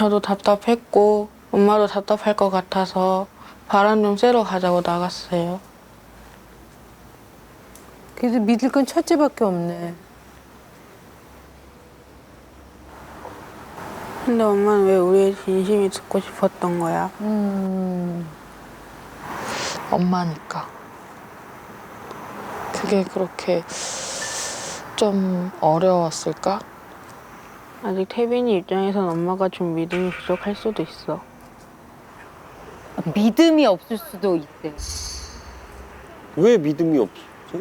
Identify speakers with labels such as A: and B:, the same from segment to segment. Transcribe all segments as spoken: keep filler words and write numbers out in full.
A: 저도 답답했고 엄마도 답답할 것 같아서 바람 좀 쐬러 가자고 나갔어요.
B: 그래도 믿을 건 첫째밖에 없네.
A: 근데 엄마는 왜 우리의 진심이 듣고 싶었던 거야?
B: 음.
C: 엄마니까. 그게 그렇게 좀 어려웠을까?
A: 아직 태빈이 입장에선 엄마가 좀 믿음이 부족할 수도 있어.
D: 믿음이 없을 수도 있대.
E: 왜 믿음이 없지?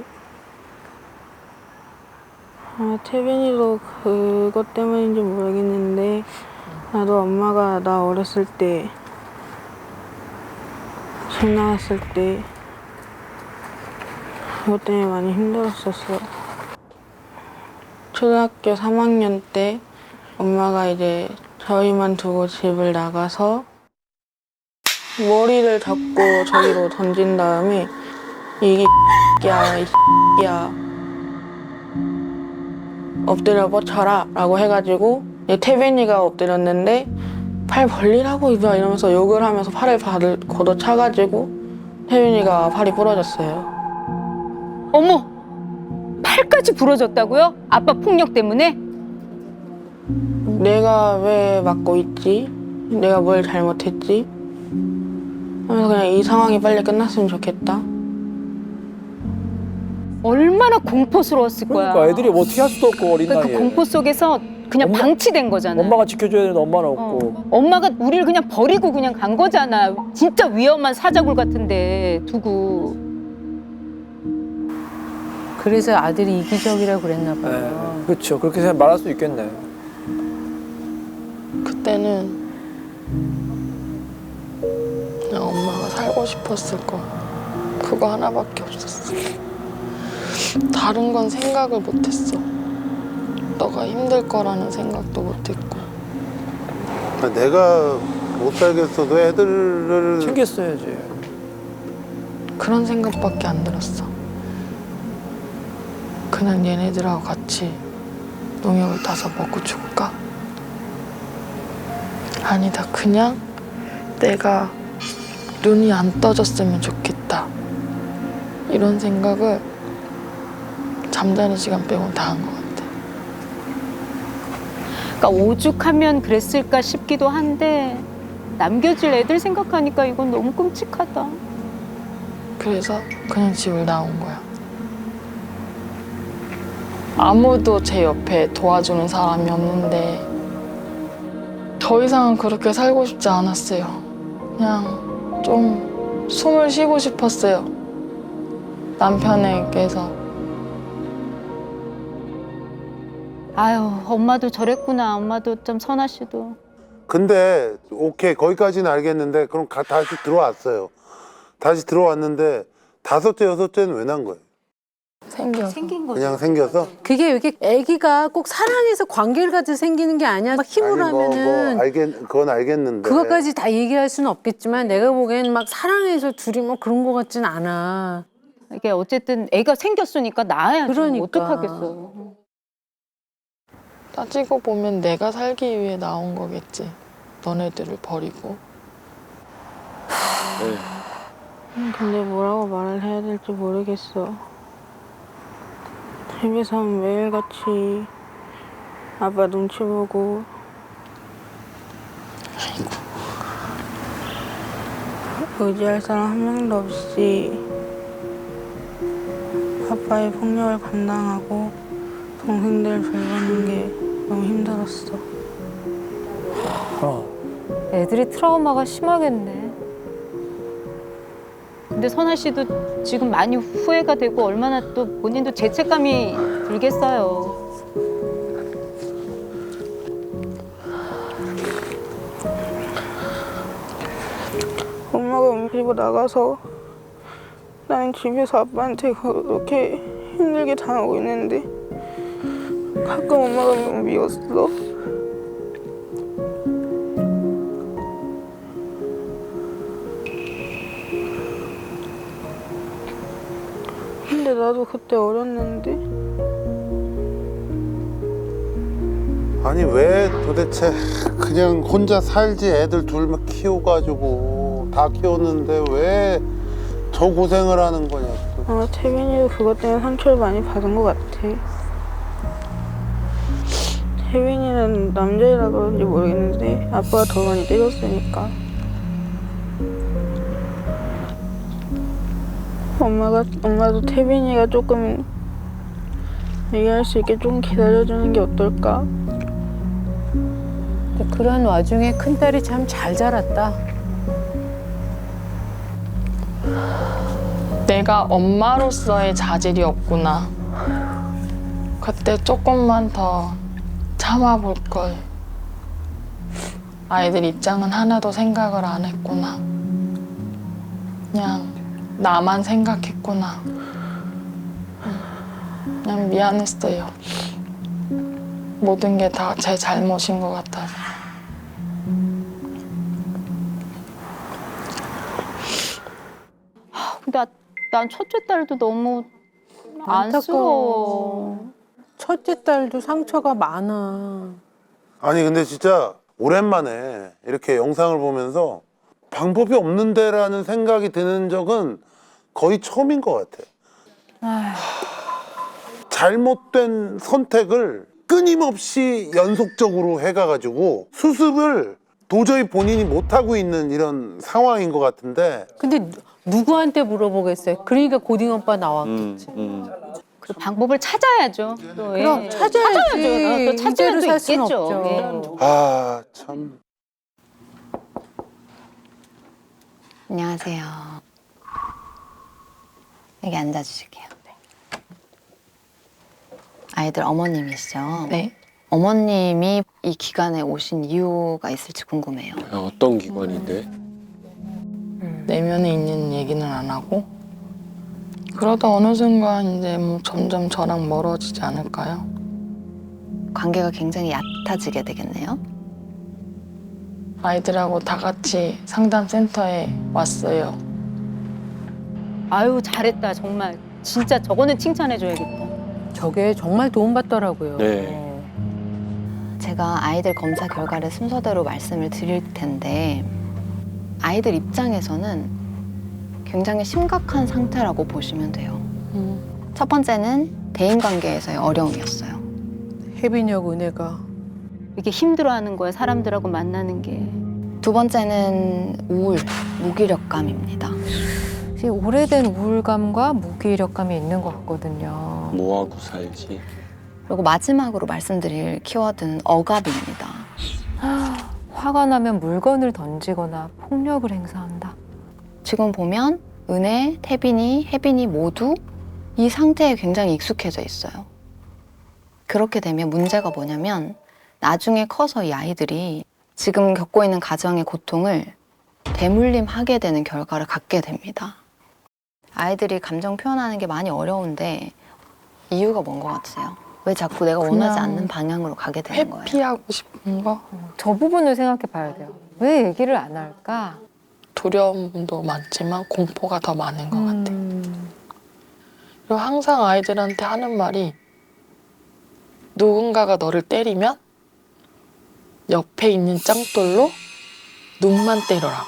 A: 아, 태빈이도 그것 때문인지 모르겠는데 나도 엄마가 나 어렸을 때 집 나갔을 때 그것 때문에 많이 힘들었었어. 초등학교 삼 학년 때 엄마가 이제 저희만 두고 집을 나가서 머리를 잡고 저기로 던진 다음에 이게 야, 이 야 엎드려 뻗쳐라 라고 해가지고 태빈이가 엎드렸는데 팔 벌리라고 이봐 이러면서 욕을 하면서 팔을 받을, 걷어차가지고 태빈이가 팔이 부러졌어요.
D: 어머! 팔까지 부러졌다고요? 아빠 폭력 때문에?
A: 내가 왜 맞고 있지? 내가 뭘 잘못했지? 하면서 그냥 이 상황이 빨리 끝났으면 좋겠다.
D: 얼마나 공포스러웠을 거야.
F: 그러니까 애들이 뭐 어떻게 할 수도 없고 어린
D: 그러니까
F: 나이에.
D: 그 공포 속에서 그냥
F: 엄마-
D: 방치된 거잖아.
F: 엄마가 지켜줘야 되는 엄마는
D: 어.
F: 없고.
D: 엄마가 우리를 그냥 버리고 그냥 간 거잖아. 진짜 위험한 사자굴 같은데 두고.
B: 그래서 아들이 이기적이라고 그랬나 봐요.
F: 네. 그렇죠. 그렇게 생각 말할 수 있겠네.
C: 그때는 그냥 엄마가 살고 싶었을 거. 그거 하나밖에 없었어. 다른 건 생각을 못했어. 너가 힘들 거라는 생각도 못했고.
E: 내가 못 살겠어도 애들을
F: 챙겼어야지.
C: 그런 생각밖에 안 들었어. 그냥 얘네들하고 같이 농약을 따서 먹고 죽을까? 아니다. 그냥 내가 눈이 안 떠졌으면 좋겠다. 이런 생각을 잠자는 시간 빼고는 다 한 것 같아.
D: 그러니까 오죽하면 그랬을까 싶기도 한데 남겨질 애들 생각하니까 이건 너무 끔찍하다.
C: 그래서 그냥 집을 나온 거야. 아무도 제 옆에 도와주는 사람이 없는데 더 이상은 그렇게 살고 싶지 않았어요. 그냥 좀 숨을 쉬고 싶었어요. 남편에게서.
D: 아유, 엄마도 저랬구나. 엄마도 좀 선아 씨도.
E: 근데 오케이 거기까지는 알겠는데 그럼 가, 다시 들어왔어요. 다시 들어왔는데 다섯째 여섯째는 왜 난 거예요?
C: 생겨서.
D: 생긴 거죠.
E: 그냥 생겨서?
B: 그게 이렇게 아기가 꼭 사랑해서 관계를 가지고 생기는 게 아니야. 막 힘으로
E: 아니, 뭐,
B: 하면은
E: 뭐 알겠, 그건 알겠는데
B: 그것까지 다 얘기할 수는 없겠지만 내가 보기엔 막 사랑해서 둘이 뭐 그런 거 같진 않아.
D: 이게 어쨌든 애가 생겼으니까 낳아야지.
B: 그러니까.
D: 어떡하겠어.
C: 따지고 보면 내가 살기 위해 나온 거겠지. 너네들을 버리고.
A: 음, 근데 뭐라고 말을 해야 될지 모르겠어. 집에선 매일같이 아빠 눈치 보고 의지할 사람 한 명도 없이 아빠의 폭력을 감당하고 동생들 돌보는 게 너무 힘들었어.
F: 어.
D: 애들이 트라우마가 심하겠네. 근데 선아 씨도 지금 많이 후회가 되고 얼마나 또 본인도 죄책감이 들겠어요.
A: 엄마가 움직이고 나가서 나는 집에서 아빠한테 그렇게 힘들게 당하고 있는데 가끔 엄마가 너무 미웠어. 근데 나도 그때 어렸는데
E: 아니 왜 도대체 그냥 혼자 살지 애들 둘만 키워가지고 다 키웠는데 왜 저 고생을 하는 거냐고.
A: 아, 태빈이도 그것 때문에 상처를 많이 받은 것 같아. 태빈이는 남자이라 그런지 모르겠는데 아빠가 더 많이 때렸으니까. 엄마가 엄마도 태빈이가 조금 얘기할 수 있게 좀 기다려주는 게 어떨까?
B: 근데 그런 와중에 큰딸이 참 잘 자랐다.
C: 내가 엄마로서의 자질이 없구나. 그때 조금만 더 참아볼 걸. 아이들 입장은 하나도 생각을 안 했구나. 그냥 나만 생각했구나. 그냥 미안했어요. 모든 게 다 제 잘못인 것 같아서.
D: 근데 난 첫째 딸도 너무 안쓰러워.
B: 첫째 딸도 상처가 많아.
E: 아니 근데 진짜 오랜만에 이렇게 영상을 보면서 방법이 없는데라는 생각이 드는 적은 거의 처음인 것 같아. 잘못된 선택을 끊임없이 연속적으로 해가가지고 수습을 도저히 본인이 못하고 있는 이런 상황인 것 같은데.
B: 근데 누- 누구한테 물어보겠어요? 그러니까 고딩 오빠 나왔겠지.
D: 그 방법을 찾아야죠. 또, 예.
B: 그럼 찾아야지.
D: 찾아야죠. 또 찾으면
B: 이대로
D: 또
B: 살 수는
D: 있겠죠.
B: 없죠.
D: 예.
E: 아 참.
G: 안녕하세요. 여기 앉아주실게요. 아이들 어머님이시죠?
C: 네.
G: 어머님이 이 기간에 오신 이유가 있을지 궁금해요.
H: 어떤 기관인데?
C: 내면에 있는 얘기는 안 하고 그러다 어느 순간 이제 뭐 점점 저랑 멀어지지 않을까요?
G: 관계가 굉장히 얕아지게 되겠네요.
C: 아이들하고 다 같이 상담센터에 왔어요.
D: 아유 잘했다 정말. 진짜 저거는 칭찬해줘야겠다.
B: 저게 정말 도움받더라고요.
H: 네.
G: 제가 아이들 검사 결과를 순서대로 말씀을 드릴 텐데 아이들 입장에서는 굉장히 심각한 상태라고 보시면 돼요. 첫 번째는 대인관계에서의 어려움이었어요.
B: 혜빈이하고 은혜가.
D: 이게 힘들어하는 거야 사람들하고 만나는 게.
G: 두 번째는 우울, 무기력감입니다.
I: 지금 오래된 우울감과 무기력감이 있는 것 같거든요.
H: 뭐하고 살지?
G: 그리고 마지막으로 말씀드릴 키워드는 억압입니다.
I: 화가 나면 물건을 던지거나 폭력을 행사한다.
G: 지금 보면 은혜, 태빈이, 혜빈이 모두 이 상태에 굉장히 익숙해져 있어요. 그렇게 되면 문제가 뭐냐면 나중에 커서 이 아이들이 지금 겪고 있는 가정의 고통을 대물림하게 되는 결과를 갖게 됩니다. 아이들이 감정 표현하는 게 많이 어려운데 이유가 뭔 것 같으세요? 왜 자꾸 내가 원하지
C: 그냥
G: 않는 방향으로 가게 되는 거예요?
C: 회피하고 싶은 거?
I: 저 부분을 생각해 봐야 돼요. 왜 얘기를 안 할까?
C: 두려움도 많지만 공포가 더 많은 것 같아. 그리고 항상 아이들한테 하는 말이 누군가가 너를 때리면 옆에 있는 짱돌로 눈만 때려라.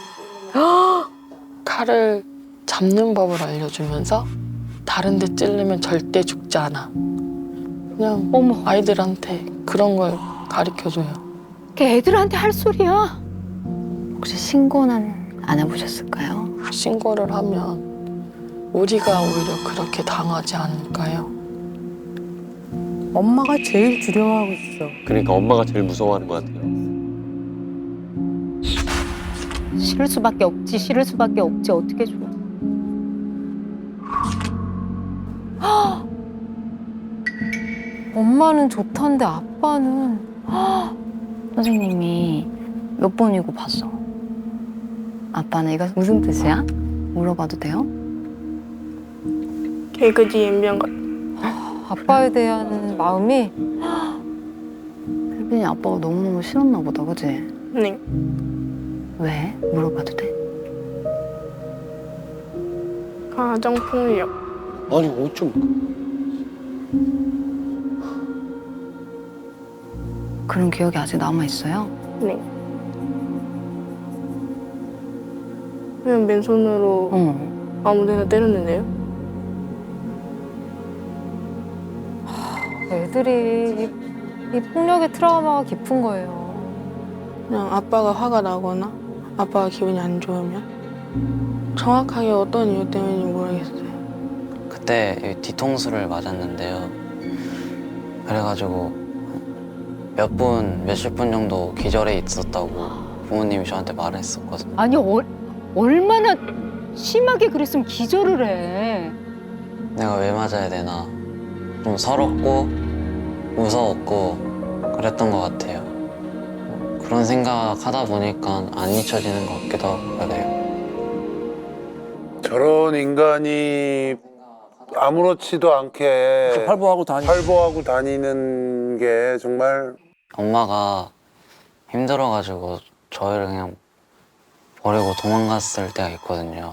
C: 칼을 잡는 법을 알려주면서 다른 데 찔르면 절대 죽지 않아. 그냥
D: 어머.
C: 아이들한테 그런 걸 가르쳐줘요.
D: 걔 애들한테 할 소리야.
G: 혹시 신고는 안 해보셨을까요?
C: 신고를 하면 우리가 오히려 그렇게 당하지 않을까요?
B: 엄마가 제일 두려워하고 있어.
H: 그러니까 엄마가 제일 무서워하는 것 같아요.
D: 싫을 수밖에 없지. 싫을 수밖에 없지. 어떻게 줘.
I: 엄마는 좋던데 아빠는
G: 선생님이 몇 번이고 봤어? 아빠는 이거 무슨 뜻이야? 물어봐도 돼요?
A: 개그지 연병 같아.
I: 아빠에 대한 마음이
G: 혜빈이 아빠가 너무너무 싫었나 보다, 그치?
A: 네.
G: 왜? 물어봐도 돼?
A: 가정폭력.
H: 아니 어쩜
G: 그런 기억이 아직 남아있어요?
A: 네. 그냥 맨손으로
G: 어.
A: 아무데나 때렸는데요.
I: 애들이 이, 이 폭력의 트라우마가 깊은 거예요.
A: 그냥 아빠가 화가 나거나 아빠가 기분이 안 좋으면 정확하게 어떤 이유 때문인지 모르겠어요.
J: 그때 이 뒤통수를 맞았는데요. 그래가지고 몇 분, 몇십 분 정도 기절해 있었다고 부모님이 저한테 말을 했었거든요.
D: 아니 얼, 얼마나 심하게 그랬으면 기절을 해.
J: 내가 왜 맞아야 되나. 좀 서럽고 무서웠고 그랬던 것 같아요. 그런 생각하다 보니까 안 잊혀지는 것 같기도 하고 그래요.
E: 저런 인간이 아무렇지도 않게
F: 활보하고 다니.
E: 활보하고 다니는 게 정말
J: 엄마가 힘들어가지고 저희를 그냥 버리고 도망갔을 때가 있거든요.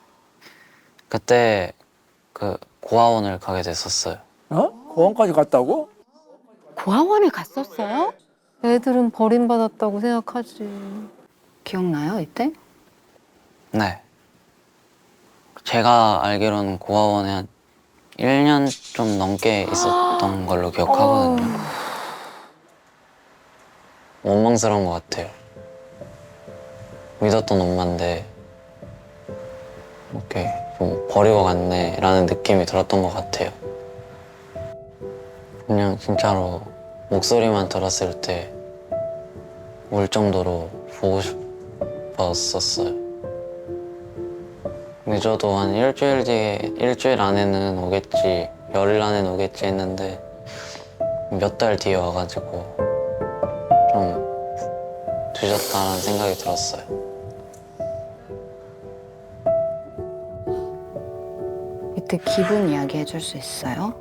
J: 그때 그 고아원을 가게 됐었어요.
F: 어? 고원까지 갔다고?
D: 고아원에 갔었어요?
I: 애들은 버림받았다고 생각하지.
G: 기억나요, 이때?
J: 네. 제가 알기로는 고아원에 한 일 년 좀 넘게 있었던 걸로 기억하거든요. 원망스러운 것 같아요. 믿었던 엄마인데 이렇게 좀 버리고 갔네 라는 느낌이 들었던 것 같아요. 그냥 진짜로 목소리만 들었을 때 울 정도로 보고 싶었었어요. 늦어도 한 일주일 뒤에, 일주일 안에는 오겠지, 열흘 안에는 오겠지 했는데 몇 달 뒤에 와가지고 좀 늦었다는 생각이 들었어요.
G: 이때 기분 이야기 해줄 수 있어요?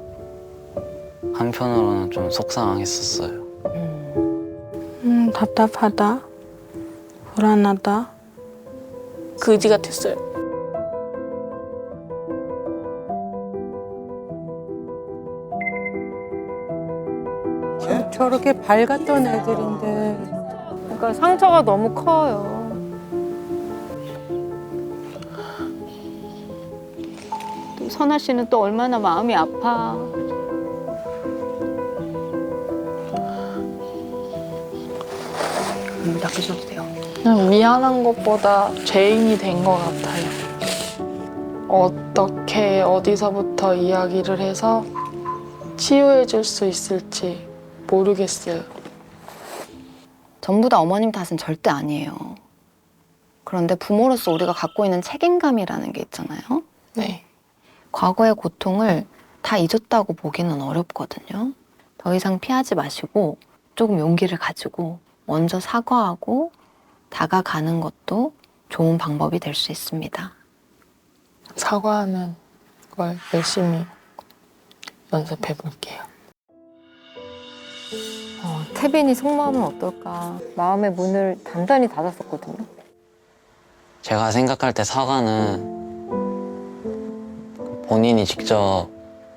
J: 한편으로는 좀 속상했었어요.
A: 음, 답답하다, 불안하다, 그지 같았어요.
B: 저렇게 밝았던 애들인데.
I: 그러니까 상처가 너무 커요.
D: 또 선아 씨는 또 얼마나 마음이 아파.
G: 음, 닦으셔도 돼요.
C: 그냥 미안한 것보다 죄인이 된 것 같아요. 어떻게 어디서부터 이야기를 해서 치유해 줄 수 있을지 모르겠어요.
G: 전부 다 어머님 탓은 절대 아니에요. 그런데 부모로서 우리가 갖고 있는 책임감이라는 게 있잖아요.
C: 네.
G: 과거의 고통을 다 잊었다고 보기는 어렵거든요. 더 이상 피하지 마시고 조금 용기를 가지고 먼저 사과하고 다가가는 것도 좋은 방법이 될 수 있습니다.
C: 사과하는 걸 열심히 연습해 볼게요.
I: 어, 태빈이 속마음은 어떨까? 마음의 문을 단단히 닫았었거든요.
J: 제가 생각할 때 사과는 본인이 직접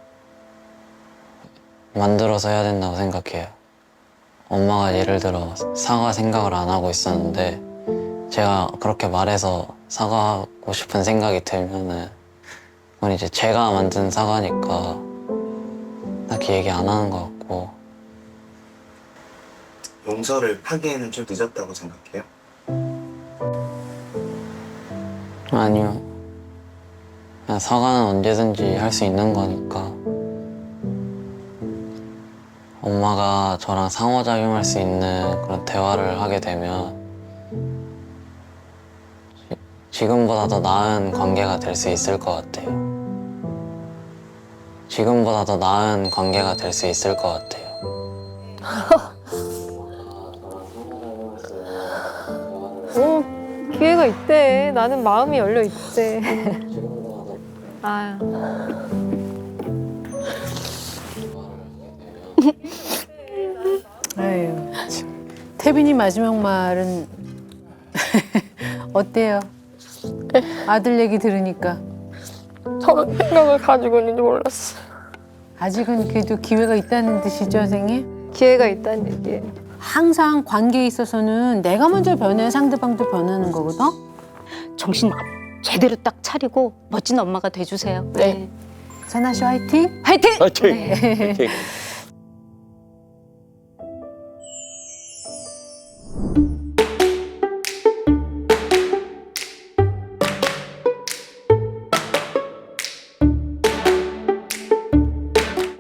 J: 만들어서 해야 된다고 생각해요. 엄마가 예를 들어 사과 생각을 안 하고 있었는데 제가 그렇게 말해서 사과하고 싶은 생각이 들면은 그건 이제 제가 만든 사과니까 딱히 얘기 안 하는 것 같고.
K: 용서를 하기에는 좀 늦었다고 생각해요?
J: 아니요. 그냥 사과는 언제든지 할 수 있는 거니까. 엄마가 저랑 상호작용할 수 있는 그런 대화를 하게 되면 지, 지금보다 더 나은 관계가 될 수 있을 것 같아요. 지금보다 더 나은 관계가 될 수 있을 것 같아요.
I: 오, 기회가 있대. 나는 마음이 열려 있대. 아,
B: 아유, 참. 태빈이 마지막 말은 어때요? 아들 얘기 들으니까.
A: 저런 생각을 가지고 있는지 몰랐어요.
B: 아직은 그래도 기회가 있다는 뜻이죠, 선생님?
I: 기회가 있다는 얘기예요.
B: 항상 관계에 있어서는 내가 먼저 변해 상대방도 변하는 거거든.
D: 정신 제대로 딱 차리고 멋진 엄마가 돼주세요.
C: 네.
B: 선아 씨 화이팅!
D: 화이팅!
H: 화이팅! 화이팅!